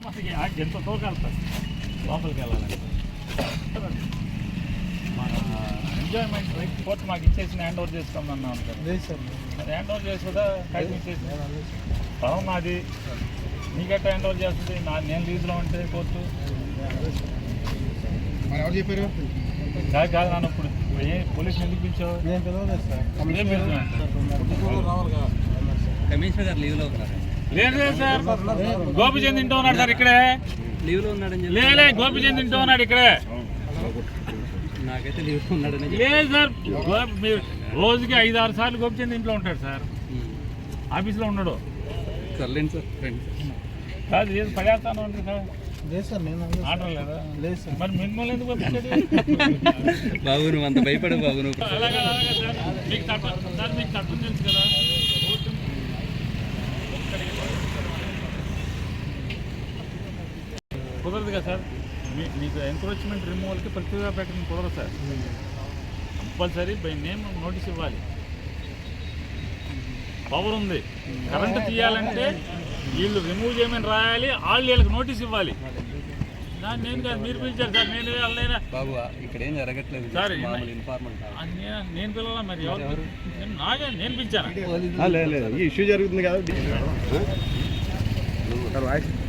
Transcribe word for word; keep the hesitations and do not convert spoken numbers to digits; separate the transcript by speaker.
Speaker 1: అసలు ఎంత తోకెళ్తారు లోపలికి వెళ్ళాలంటే మన ఎంజాయ్మెంట్ రైట్ కోర్టు మాకు ఇచ్చేసిన హ్యాండ్ ఓవర్ చేసుకోమన్నాం సార్ హ్యాండ్ ఓవర్ చేసుకుందా టైం ఇచ్చేసి పొలం నాది నీకెట్ట హ్యాండ్ ఓవర్ చేస్తుంది నా నేను లీజులో ఉంటే కోర్టు
Speaker 2: ఎవరు చెప్పారు
Speaker 1: కాదు కాదు నాన్న ఇప్పుడు ఏ పోలీసులు ఎందుకు పిలిచావు
Speaker 3: కమిషనర్ గారు లీవ్లో ఉన్నారు.
Speaker 1: లేదు సార్ గోపిచంద్ తింటూ ఉన్నాడు సార్ ఇక్కడే
Speaker 3: లీవ్లో ఉన్నాడని
Speaker 1: లేలే గోపిచంద్ తింటూ ఉన్నాడు ఇక్కడే
Speaker 3: నాకైతే లీవ్లో ఉన్నాడని
Speaker 1: లేదు సార్ మీరు రోజుకి ఐదు ఆరు సార్లు గోపిచంద్ ఇంట్లో ఉంటాడు సార్ ఆఫీస్లో ఉన్నాడు
Speaker 3: సర్లేండి సార్ ఫ్రెండ్
Speaker 1: కాదు ఏది పడేస్తాను అంటే సార్
Speaker 2: లేదు సార్ నేను
Speaker 1: ఆర్డర్ లేదా
Speaker 2: లేదు సార్
Speaker 1: మరి మిమ్మల్ని ఎందుకు పంపించాడు
Speaker 3: బాబు నువ్వు అంత భయపడు బాబు నువ్వు
Speaker 1: అలాగే అలాగే సార్ మీకు చట్టం సార్ మీకు చట్టం తెలుసు కదా కుదరదు కదా సార్ మీ మీకు ఎంక్రోచ్మెంట్ రిమూవల్కి ప్రతిగా పెట్టడం కుదరదు సార్ కంపల్సరీ బై నేమ్ నోటీస్ ఇవ్వాలి పవర్ ఉంది కరెంటు తీయాలంటే వీళ్ళు రిమూవ్ చేయమని రాయాలి వాళ్ళు వీళ్ళకి నోటీస్ ఇవ్వాలి నేను కాదు మీరు పిలిచారు సార్ నేను వాళ్ళైనా
Speaker 3: బాబు ఇక్కడ ఏం జరగట్లేదు
Speaker 1: సార్
Speaker 3: ఇన్ఫార్మల్
Speaker 1: నేను పిల్లలా మరి ఎవరు నాగే నేను పిలిచాను
Speaker 2: ఈ ఇష్యూ జరుగుతుంది కదా